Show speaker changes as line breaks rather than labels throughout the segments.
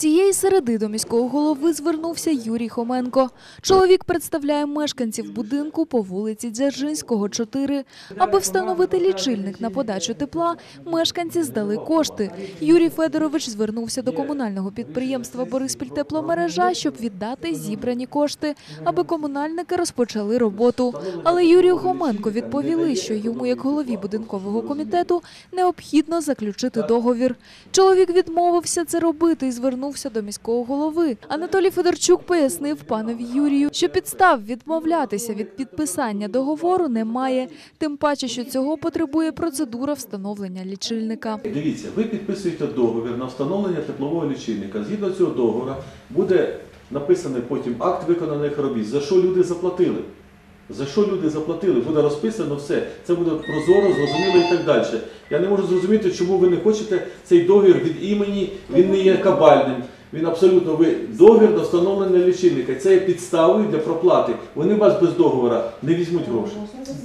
Цієї середи до міського голови звернувся Юрій Хоменко. Чоловік представляє мешканців будинку по вулиці Дзержинського, 4. Аби встановити лічильник на подачу тепла, мешканці здали кошти. Юрій Федорович звернувся до комунального підприємства «Бориспільтепломережа», щоб віддати зібрані кошти, аби комунальники розпочали роботу. Але Юрію Хоменко відповіли, що йому, як голові будинкового комітету, необхідно заключити договір. Чоловік відмовився це робити і звернувся до міського голови. Анатолій Федорчук пояснив панові Юрію, що підстав відмовлятися від підписання договору немає, тим паче, що цього потребує процедура встановлення лічильника.
Дивіться, ви підписуєте договір на встановлення теплового лічильника. Згідно цього договору буде написаний потім акт виконаних робіт, за що люди заплатили. За що люди заплатили, буде розписано все. Це буде прозоро, зрозуміло і так далі. Я не можу зрозуміти, чому ви не хочете цей договір від імені, він не є кабальним. Він абсолютно, договір на встановлення лічильника. Це є підставою для проплати. Вони вас без договору не візьмуть гроші.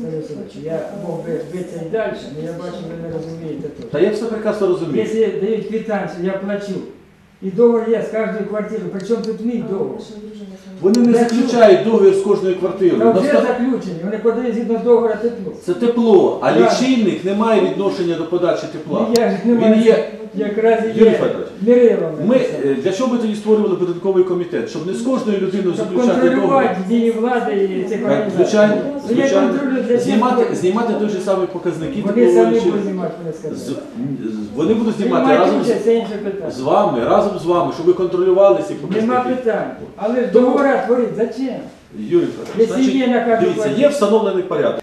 Я мог би битися і далі, але я бачу, ви не розумієте тут.
Та я все прекрасно розумію.
Якщо дають квитанцію, я плачу. І договір є з кожної квартири, причому тут мій договір.
Вони не заключають договір з кожною квартирою.
Та вже заключені, вони подають згідно договору тепло.
Це тепло, а лічильник не має відношення до подачі тепла.
Він є, якраз є мірилом.
Для чого ми тоді створювали будинковий комітет? Щоб не з кожною людиною заключати договір.
Контролювати дії влади і цих організацій.
Звичайно. Знімати той же самий показники.
Вони самі будуть знімати,
вони будуть знімати разом з вами, щоб ви контролювали ці показники.
Нема питань. Але ж договори творить, зачем?
Юрій Федорович, дивіться, є встановлений порядок.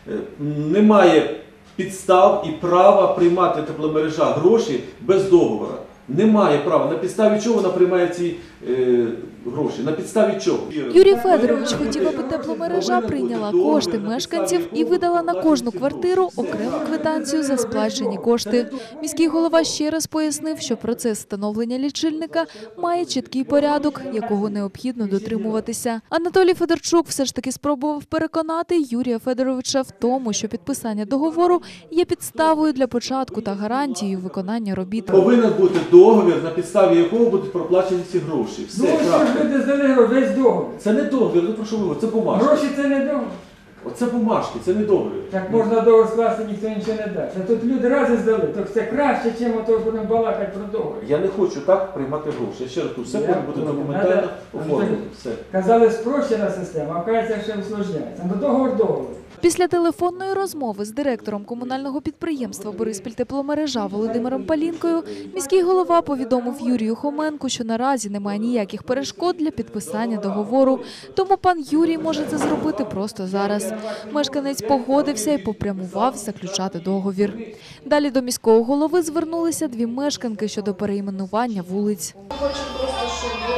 Немає підстав і права приймати тепломережа гроші без договору. Немає права. На підставі чого вона приймає ці гроші? На підставі чого?
Юрій Федорович хотів, аби тепломережа прийняла кошти мешканців і видала на кожну квартиру окрему квитанцію за сплачені кошти. Міський голова ще раз пояснив, що процес встановлення лічильника має чіткий порядок, якого необхідно дотримуватися. Анатолій Федорчук все ж таки спробував переконати Юрія Федоровича в тому, що підписання договору є підставою для початку та гарантією виконання робіт.
Повинен бути договір, на підставі якого будуть проплачені ці гроші. Все,
крапка. Люди здали весь договір.
Це не договір, про що ви говорите? Це бумажки.
Гроші це не договір.
Оце бумажки, це не договір.
Так можна договір скласти, ніхто нічого не дасть. А тут люди рази здали, так це краще, ніж ото будемо балакати про договір.
Я не хочу так приймати гроші. Я ще раз кажу, все буде документально оформлено.
Казали, спрощена система, а вказується, що усложняється. Ну договор.
Після телефонної розмови з директором комунального підприємства «Бориспільтепломережа» Володимиром Палінкою міський голова повідомив Юрію Хоменку, що наразі немає ніяких перешкод для підписання договору, тому пан Юрій може це зробити просто зараз. Мешканець погодився і попрямував заключати договір. Далі до міського голови звернулися дві мешканки щодо перейменування вулиць.
Хочу просто, щоб ви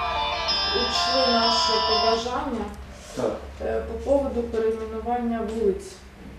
учли наше побажання. По поводу перейменування вулиць,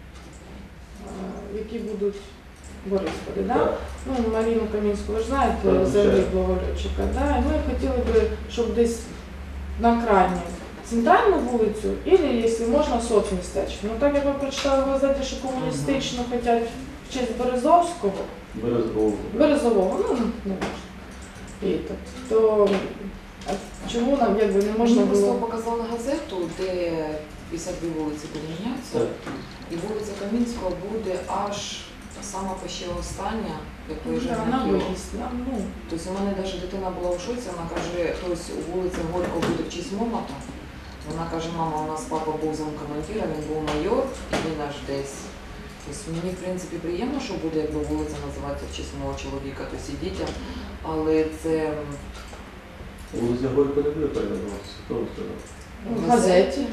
які будуть в Борисполі. Да? Ну, Марину Камінську, ви ж знаєте, загиблого льотчика. Да? І ми хотіли би, щоб десь на крайню центральну вулицю, або, якщо можна, соцмістечко. Ну, так як ви прочитали в газеті, що комуністично хочуть в честь Березовського. Березового, ну, не можна. То чому нам не можна було?
Просто показали газету, де 52 вулиці поміняться, і вулиця Камінського буде аж сама ще остання, як виїжджає на Київ. Тобто у мене навіть дитина була у шоці, вона каже, хтось у вулиці Горького буде в честь Момота. Вона каже, мама, у нас папа був замкомандира, він був майор, і він аж десь. Тобто мені, в принципі, приємно, що буде, якби вулиця називається в честь мого чоловіка, тобто і дітям, але це...
Вулиця Горького не буде перейменуватися, хто вам сказав?
В газеті.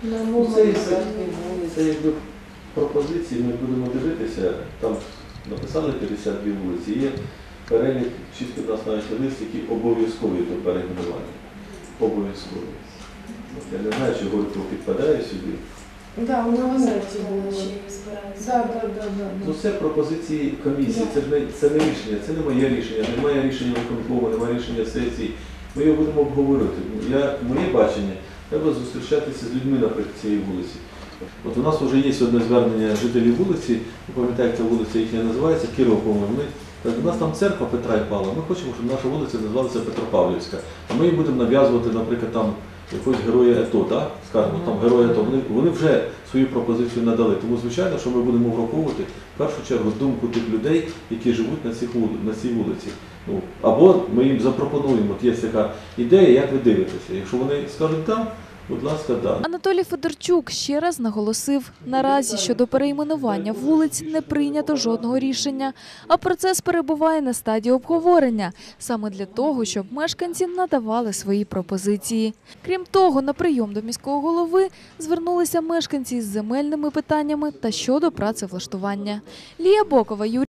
Це якби пропозиції, ми будемо дивитися, там написали 52 вулиці, є перелік 6-15 лист, які обов'язкові до перейменування. Обов'язкові. Я не знаю, чи Горького підпадає сюди.
Так, в газеті було.
Ну це пропозиції комісії, це не рішення, це не моє рішення, немає рішення виконкому, немає рішення сесії. Ми його будемо обговорювати. Моє бачення, треба зустрічатися з людьми наприклад цієї вулиці. У нас вже є одне звернення жителів вулиці, ви пам'ятаєте, вулиця їхня називається, Кирова, по-моєму, Каже, у нас там церква Петра і Павла, ми хочемо, щоб наша вулиця називалася Петропавлівська. А ми їм будемо нав'язувати, наприклад, там якогось героя АТО, да? Скажімо, там героя АТО. Вони вже свою пропозицію надали. Тому, звичайно, що ми будемо враховувати в першу чергу думку тих людей, які живуть на цій вулиці. Ну, або ми їм запропонуємо, от є така ідея, як ви дивитеся. Якщо вони скажуть «так», будь ласка, да.
Анатолій Федорчук ще раз наголосив, наразі щодо перейменування вулиць не прийнято жодного рішення, а процес перебуває на стадії обговорення, саме для того, щоб мешканці надавали свої пропозиції. Крім того, на прийом до міського голови звернулися мешканці із земельними питаннями та щодо працевлаштування. Лія Бокова, Юрій